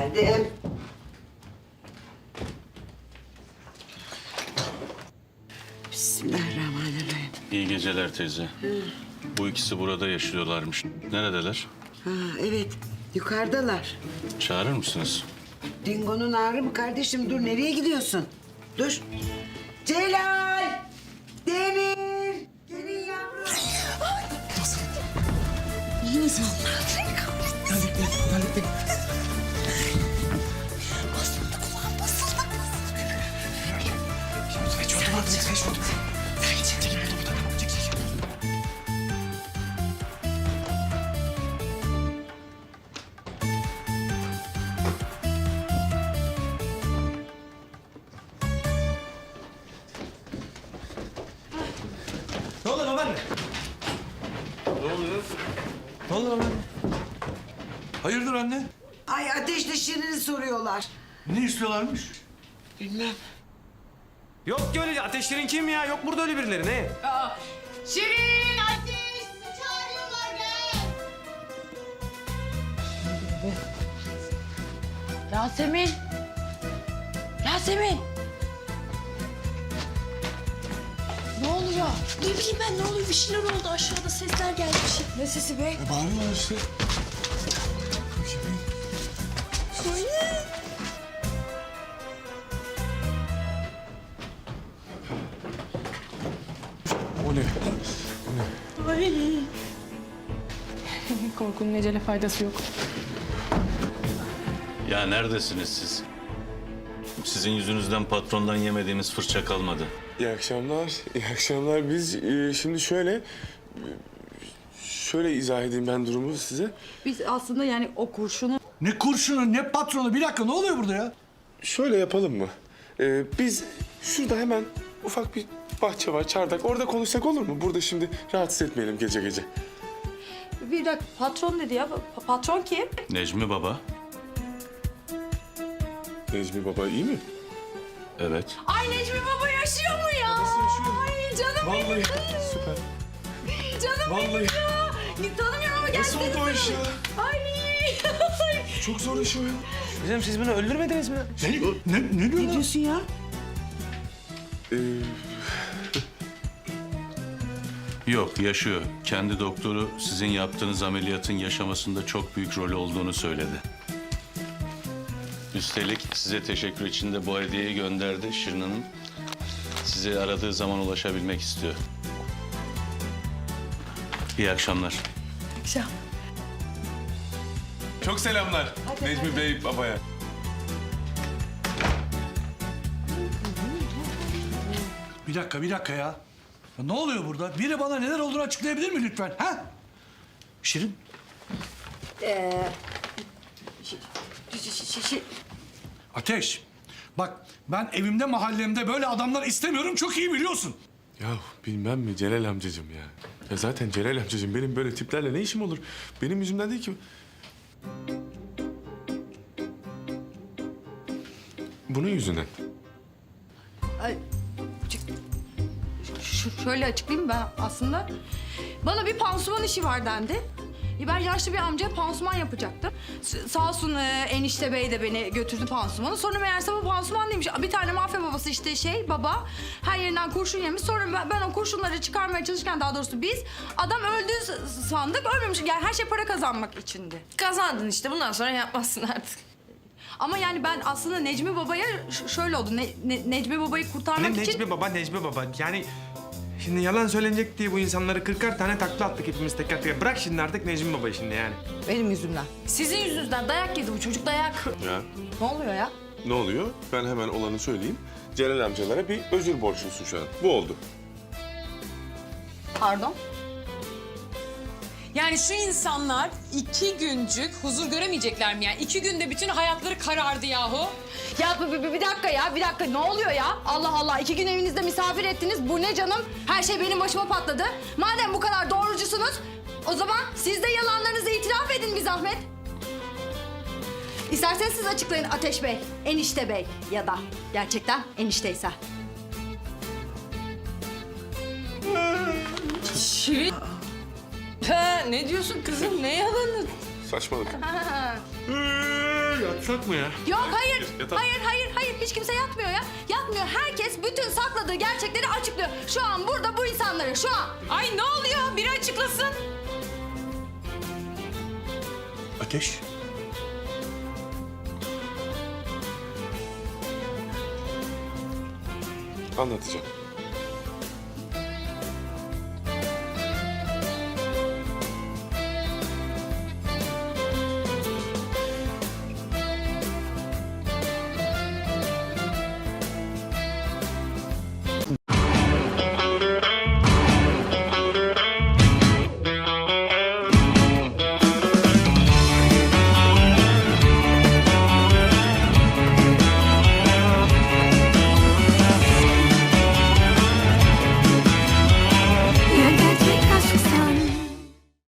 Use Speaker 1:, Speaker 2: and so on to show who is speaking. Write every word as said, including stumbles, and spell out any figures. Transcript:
Speaker 1: Geldim. Bismillahirrahmanirrahim.
Speaker 2: İyi geceler teyze. Bu ikisi burada yaşıyorlarmış. Neredeler?
Speaker 1: Ha, evet, yukarıdalar.
Speaker 2: Çağırır mısınız?
Speaker 1: Dingo'nun ağrı mı kardeşim? Dur, nereye gidiyorsun? Dur. Celal! Demir! Gelin yavrum.
Speaker 3: İyi misin? Hallettim, hallettim.
Speaker 4: Basıldı kulağım, basıldı.
Speaker 3: Geç oldu mu? Geç oldu. Çekil, çekil burada, burada. Tamam, çekil, çekil. Ne oluyor babaanne?
Speaker 2: Ne oluyor?
Speaker 3: Ne oluyor babaanne?
Speaker 5: Hayırdır anne?
Speaker 1: Ay, Ateş'le Şirin'i soruyorlar.
Speaker 5: Ne istiyorlarmış?
Speaker 1: Bilmem.
Speaker 3: Yok ki öyle ateşlerin kim ya? Yok burada öyle birileri ne?
Speaker 4: Şirin, Ateş, sizi çağırıyorlar gel.
Speaker 6: Yasemin. Yasemin. Ne oluyor?
Speaker 4: Ne bileyim ben, ne oluyor? Bir şeyler oldu, aşağıda sesler geldi bir şey.
Speaker 6: Ne sesi be?
Speaker 5: E, bağırıyorlar işte. O ne?
Speaker 6: Korkunun ecele faydası yok.
Speaker 2: Ya neredesiniz siz? Sizin yüzünüzden patrondan yemediğimiz fırça kalmadı.
Speaker 7: İyi akşamlar, iyi akşamlar. Biz e, şimdi şöyle... e, Şöyle izah edeyim ben durumu size.
Speaker 6: Biz aslında yani o kurşunu...
Speaker 5: Ne kurşunu, ne patronu. Bir dakika, ne oluyor burada ya?
Speaker 7: Şöyle yapalım mı? E, biz şurada hemen ufak bir bahçe var, çardak. Orada konuşsak olur mu? Burada şimdi rahatsız etmeyelim gece gece.
Speaker 6: Bir dakika, patron dedi ya. Pa- patron kim?
Speaker 2: Necmi Baba.
Speaker 7: Necmi Baba iyi mi?
Speaker 2: Evet.
Speaker 6: Ay, Necmi Baba yaşıyor mu ya? Ay canım
Speaker 7: Vallahi süper.
Speaker 6: canım
Speaker 7: Vallahi.
Speaker 6: ya. Tanımıyorum ama
Speaker 7: Nasıl
Speaker 6: gerçekten.
Speaker 7: oldu o iş ya?
Speaker 6: Ay.
Speaker 7: Çok zor iş o ya.
Speaker 3: Hocam siz bunu öldürmediniz mi?
Speaker 5: Ne, ne, ne diyor
Speaker 1: Ne
Speaker 5: lan?
Speaker 1: diyorsun ya?
Speaker 7: Ee,
Speaker 2: Yok, yaşıyor. Kendi doktoru sizin yaptığınız ameliyatın yaşamasında çok büyük rolü olduğunu söyledi. Üstelik size teşekkür için de bu hediyeyi gönderdi Şirin Hanım. Sizi aradığı zaman ulaşabilmek istiyor. İyi akşamlar.
Speaker 6: Akşam.
Speaker 7: çok selamlar Necmi Bey Baba'ya.
Speaker 5: Bir dakika, bir dakika ya. Ya ne oluyor burada? Biri bana neler olduğunu açıklayabilir mi lütfen? Ha? Şirin? Ateş. Bak, ben evimde, mahallemde böyle adamlar istemiyorum. Çok iyi biliyorsun.
Speaker 7: Ya bilmem mi Celal amcacığım ya. Ya zaten Celal amcacığım benim böyle tiplerle ne işim olur? Benim yüzümden değil ki. Bunun yüzünden.
Speaker 6: Ş- şöyle açıklayayım ben aslında. Bana bir pansuman işi var dendi. E, Ben yaşlı bir amcaya pansuman yapacaktım. S- sağ olsun e, enişte bey de beni götürdü pansumana. Sonra meğerse bu pansuman değilmiş. Bir tane mafya babası işte şey baba her yerinden kurşun yemiş. Sonra ben, ben o kurşunları çıkarmaya çalışırken daha doğrusu biz adam öldü s- sandık. Ölmemiş. Yani her şey para kazanmak içindi.
Speaker 4: Kazandın işte, bundan sonra yapmazsın artık.
Speaker 6: Ama yani ben aslında Necmi Baba'ya ş- şöyle oldu. Ne- Ne- Necmi Baba'yı kurtarmak
Speaker 3: Ne
Speaker 6: için...
Speaker 3: Necmi baba, Necmi baba. Yani şimdi yalan söylenecek diye bu insanları kırkar tane takla attık hepimiz teker teker. Bırak şimdi artık Necmi baba şimdi yani.
Speaker 6: Benim yüzümden.
Speaker 4: Sizin yüzünüzden dayak yedi bu çocuk, dayak.
Speaker 7: Ya
Speaker 6: Ne oluyor ya?
Speaker 7: ne oluyor? Ben hemen olanı söyleyeyim. Celal amcalara bir özür borçlusun şu an. Bu oldu.
Speaker 6: Pardon?
Speaker 8: Yani şu insanlar iki güncük huzur göremeyecekler mi yani? İki günde bütün hayatları karardı yahu.
Speaker 6: Ya bir, bir, bir dakika ya, bir dakika. Ne oluyor ya? Allah Allah, iki gün evinizde misafir ettiniz. Bu ne canım? Her şey benim başıma patladı. Madem bu kadar doğrucusunuz, o zaman siz de yalanlarınızı itiraf edin bir zahmet. İsterseniz siz açıklayın Ateş Bey, Enişte Bey ya da gerçekten enişteyse.
Speaker 8: Şirin. Ha, ne diyorsun kızım? Ne yalanı?
Speaker 7: Saçmalık.
Speaker 3: Yatsak mı ya?
Speaker 6: Yok hayır.
Speaker 3: Yatalım.
Speaker 6: Hayır hayır hayır. Hiç kimse yatmıyor ya. Yatmıyor. Herkes bütün sakladığı gerçekleri açıklıyor. Şu an burada bu insanları şu an.
Speaker 8: Ay ne oluyor? Biri açıklasın.
Speaker 5: Ateş.
Speaker 7: Anlatacağım.